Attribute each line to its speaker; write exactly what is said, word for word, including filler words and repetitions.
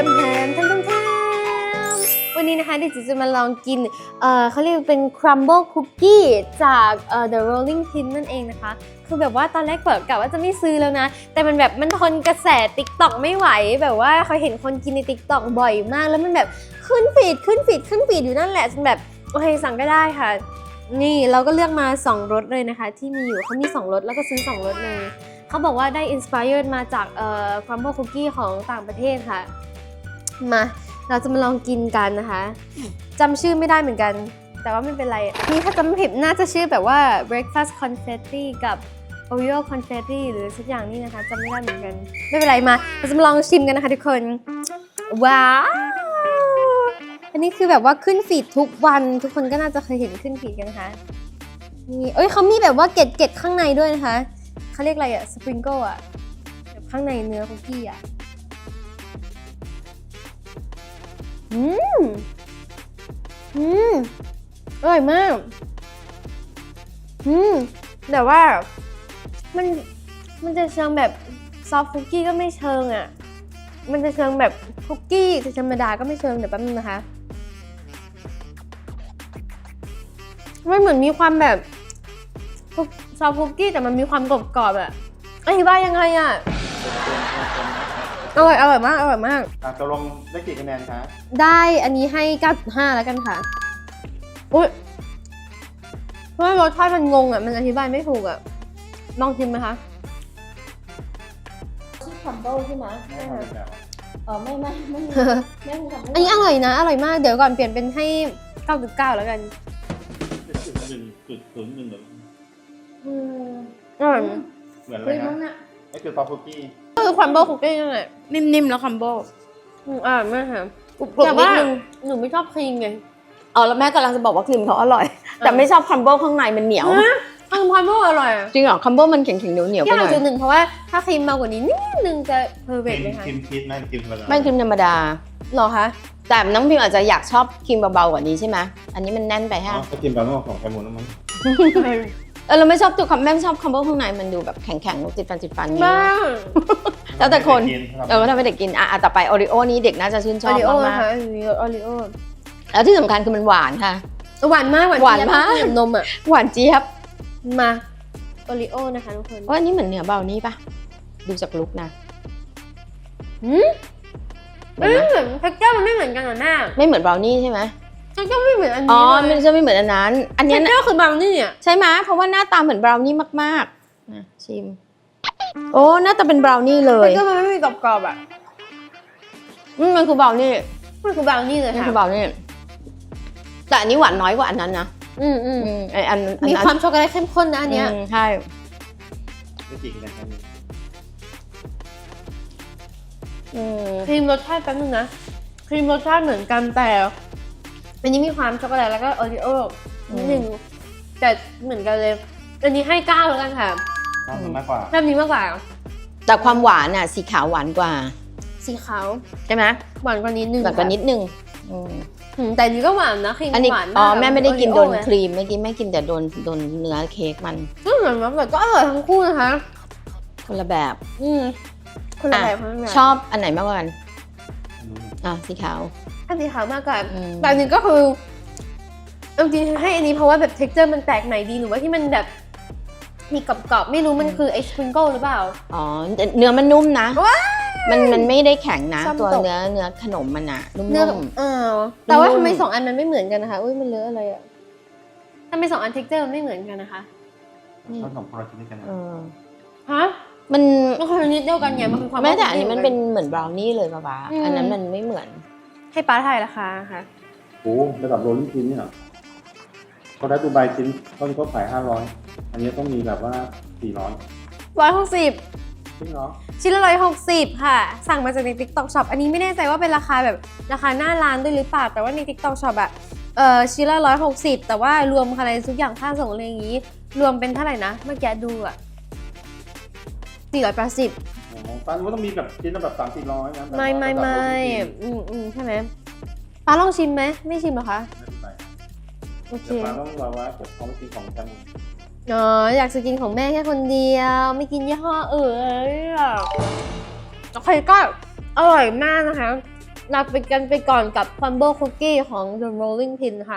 Speaker 1: มแฮมแฮมแฮมวันนี้นะคะเดี๋ยวจะมาลองกินเอ่อเขาเรียกเป็น crumble cookie จากเอ่อ The Rolling Pin นั่นเองนะคะคือแบบว่าตอนแรกเปิดกะว่าจะไม่ซื้อแล้วนะแต่มันแบบมันทนกระแส TikTok ไม่ไหวแบบว่าเขาเห็นคนกินใน TikTok บ่อยมากแล้วมันแบบขึ้นฟีดขึ้นฟีดขึ้นฟีดอยู่นั่นแหละจนแบบโอเคสั่งก็ได้ค่ะนี่เราก็เลือกมาสองรสเลยนะคะที่มีอยู่เขามีสองรสแล้วก็ซื้อสองรสเลยเขาบอกว่าได้ inspired มาจากเอ่อ crumble cookie ของต่างประเทศค่ะมาเราจะมาลองกินกันนะคะจำชื่อไม่ได้เหมือนกันแต่ว่าไม่เป็นไรนี่ถ้าจำไม่ผิดน่าจะชื่อแบบว่า breakfast confetti กับ Oreo confetti หรือสักอย่างนี่นะคะจำไม่ได้เหมือนกันไม่เป็นไรมาเราจะมาลองชิมกันนะคะทุกคนว้าวอันนี้คือแบบว่าขึ้นฟีดทุกวันทุกคนก็น่าจะเคยเห็นขึ้นฟีดกันนะคะนี่เอ้ยเขามีแบบว่าเกล็ดเกล็ดข้างในด้วยนะคะเขาเรียกอะไรอะสปริงเกิลอะแบบข้างในเนื้อคุกกี้อะอืมอืมอร่อยมากอืมแต่ว่ามันมันจะเชิงแบบซอฟต์คุกกี้ก็ไม่เชิงอ่ะมันจะเชิงแบบคุกกี้ธรรมดาก็ไม่เชิงเดี๋ยวแป๊บนึงนะคะมันเหมือนมีความแบบซอฟต์คุกกี้แต่มันมีความกรอบๆอ่ะอธิบายยังไงอ่ะอร่อยอร่อยมากอร่อยมาก
Speaker 2: อ่ะตกลงได้กี่คะแนนคะ
Speaker 1: ได้อันนี้ให้ เก้าจุดห้า แล้วกันค่ะอุ๊ยเพราะว่ารสชาติมันงงอ่ะมันอธิบายไม่ถูกอ่ะลองชิมไหมคะชื่อคัมเบิลใช่ไหม
Speaker 2: ไม่ทำเป็นแบบ
Speaker 1: เออไม่ไม่ไม่ไม่ทำอันนี้อร่อยนะอร่อยมากเดี๋ยวก่อนเปลี่ยนเป็นให้ เก้าจุดเก้า แล้วกัน
Speaker 2: หนึ่งจุดศูนย์หนึ่งหนึ่ง
Speaker 1: อืมอร่อย
Speaker 2: เหมือนอะไรนะนี่คือซอฟต์คุกกี้
Speaker 1: คือคัมเบิลคุกกี้นั่นแหละ
Speaker 3: นิ่มๆแล้วคัมโบ
Speaker 1: อืมอร่อยมากค่ะ
Speaker 3: กรุบๆนิดนึง
Speaker 1: หนูไม่ชอบครีมไง
Speaker 3: อ๋อแล้วแม่กำลังจะบอกว่าครีมเขาอร่อยแต่ไม่ชอบคัมโบข้างในมันเหนียว
Speaker 1: คัมเบิลอร่อย
Speaker 3: จริงเหรอคัมโบมันแข็งๆเหนียวๆไปหน่อย
Speaker 1: จุดหนึ่งเพราะว่าถ้าครีมมากกว่านี้นิดนึงจะเพอร์เฟกต์เลยค่ะ
Speaker 2: ครีมชีสนั่นครีมธรรมดา
Speaker 3: ไม่ครีมธรรมดา
Speaker 1: หรอคะ
Speaker 3: แต่น้องพิมอาจจะอยากชอบครีมเบาๆกว่านี้ใช่ไหมอันนี้มันแน่นไปฮะ
Speaker 2: ก็ครีมแบบของแคมูนมั้ง
Speaker 3: เออเราไม่ชอบตัวคัมแม่ไม่ชอบคัมโบข้างในมันดูแบบแข็งๆติดฟันติดฟันนี่แล้วแต่คนเออถ้าไม่เด็กกินอ่ะต่อไปโอริโอนี้เด็กน่าจะชื่นชอบมาก
Speaker 1: ๆค่ะอันนี้โอริโอ
Speaker 3: แล้วที่สำคัญคือมันหวานค่ะ
Speaker 1: หวานมาก
Speaker 3: หวานมาก
Speaker 1: นมอ่ะ
Speaker 3: หวานเจี๊ยบ
Speaker 1: มาโอริโอนะคะทุกคน
Speaker 3: ว่าอันนี้เหมือนเนื้อเบานี่ปะดูจากลุกนะ
Speaker 1: อืมไม่เหมือนเท็กเจอร์มันไม่เหมือนกันหรอแม่
Speaker 3: ไม่เหมือนเบลนี่ใช่ไหม
Speaker 1: เท็กเจอร์ไม่เหมือนอันนี้
Speaker 3: อ๋อมันจะไม่เหมือนอันนั้นอันนี้
Speaker 1: เท็กเจอร์คือเบลนี่อ่ะ
Speaker 3: ใช่ไหมเพราะว่าหน้าตาเหมือนเบลนี่มากๆนะชิมโอ้หน้าตาเป็นเบลนี่เลย
Speaker 1: เท็กเจอร์มันไม่มีกรอบๆอ่ะ
Speaker 3: อืมมันคือเบลนี่
Speaker 1: มันคือเบลนี่เลยค่ะ
Speaker 3: มันคือเบลนี่แต่อันนี้หวานน้อยกว่าอันนั้นนะ
Speaker 1: อืมอืม
Speaker 3: ไออัน
Speaker 1: มีความช็อกโกแลตเข้มข้นนะอันเนี้ย
Speaker 3: ใช่
Speaker 2: ได้กี่คะแนนครับ
Speaker 1: ครีมรสชาติแป๊บนึงนะครีมรสชาติเหมือนกันแต่อันนี้มีความช็อกโกแลตแล้วก็โอริโอ้นิดนึงแต่เหมือนกันเลยอันนี้ให้เก้าแล้วกันค่ะ
Speaker 2: ชอบมากกว่า
Speaker 1: แบบนี้มากกว่า
Speaker 3: แต่ความหวานน่ะสีขาวหวานกว่า
Speaker 1: สีขาว
Speaker 3: ใช่ไหม
Speaker 1: หวานกว่านิดนึง
Speaker 3: หวานกว่านิดนึง
Speaker 1: แต่อันนี้ก็หวานนะครีมหวานมาก
Speaker 3: อ๋อแม่ไม่ได้กินโดนครีมไม่กินไม่กินแต่โดนโดนเนื้อเค้กมัน
Speaker 1: ก็เหมือนแบบก็อร่อยทั้งคู่นะคะ
Speaker 3: คนละแบบ
Speaker 1: อืมคนละแบบ
Speaker 3: ชอบอันไหนมากกว่ากันอ่ะสีขาว
Speaker 1: อันสีขาวมากกว่าแต่อันนี้ก็คือจริงๆให้อันนี้เพราะว่าแบบเท็กเจอร์มันแปลกใหม่ดีหนูว่าที่มันแบบมีกรอบๆไม่รู้มันคือไอสปริงเกิลหรือเปล่า
Speaker 3: อ๋อเนื้อมันนุ่มนะมันมันไม่ได้แข็งนะตัวเนื้อเนื้อขนมมันอะนุ่ม
Speaker 1: ๆอ่าแต่ว่าทำไมสองอันมันไม่เหมือนกันนะคะอุ้ยมันเลอะอะไรอะทำไมสองอันเท็กเจอร์มันไม่เหมือนกันนะคะ
Speaker 2: ชอบของพอร์ชินกันนะ
Speaker 1: ฮะ
Speaker 3: มัน
Speaker 1: มันคือนิดเดียวกันไงมันคือความ
Speaker 3: แม้แต่อันนี้มันเป็นเหมือนบราวนี่เลยป่ะป๊าอันนั้นมันไม่เหมือน
Speaker 1: ให้ป้าทายราคาค่ะ
Speaker 2: โอ้ระดับโรลลิ่งชิ้นเนี่ยเขาได้ดูใบชิ้นต้นเขาขายห้าร้อยอันนี้ต้องมีแบบว่าสี่ร้อย
Speaker 1: ร้อยหกสิบ
Speaker 2: จริงเหรอ
Speaker 1: ชิ้นละร้อยหกสิบค่ะสั่งมาจากใน TikTok Shop อันนี้ไม่แน่ใจว่าเป็นราคาแบบราคาหน้าร้านด้วยหรือเปล่าแต่ว่าใน TikTok Shop อะเอ่อชิ้นละร้อยหกสิบแต่ว่ารวมอะไรทุกอย่างค่าส่งอะไรอย่างนี้รวมเป็นเท่าไหร่นะเมื่อกี้ดูอะสี่ร้อยแปดสิบ
Speaker 2: อ๋อป้าว่าต้องมีแบบชิ้นละแบบสามสี่ร้อยนะ
Speaker 1: ไม่ไม่ไม่อืมอืมใช่ไหมป้าลองชิมไหมไม่ชิมหรอคะโอเค
Speaker 2: ป้าต้องรอว่าเดี๋ยวเขากินของกัน
Speaker 1: อ๋ออยากจะกินของแม่แค่คนเดียวไม่กินยี่ห้ออื่นโอเคก็อร่อยมากนะคะลาไปกันไปก่อนกับ Crumble Cookie ของ The Rolling Pin นะคะ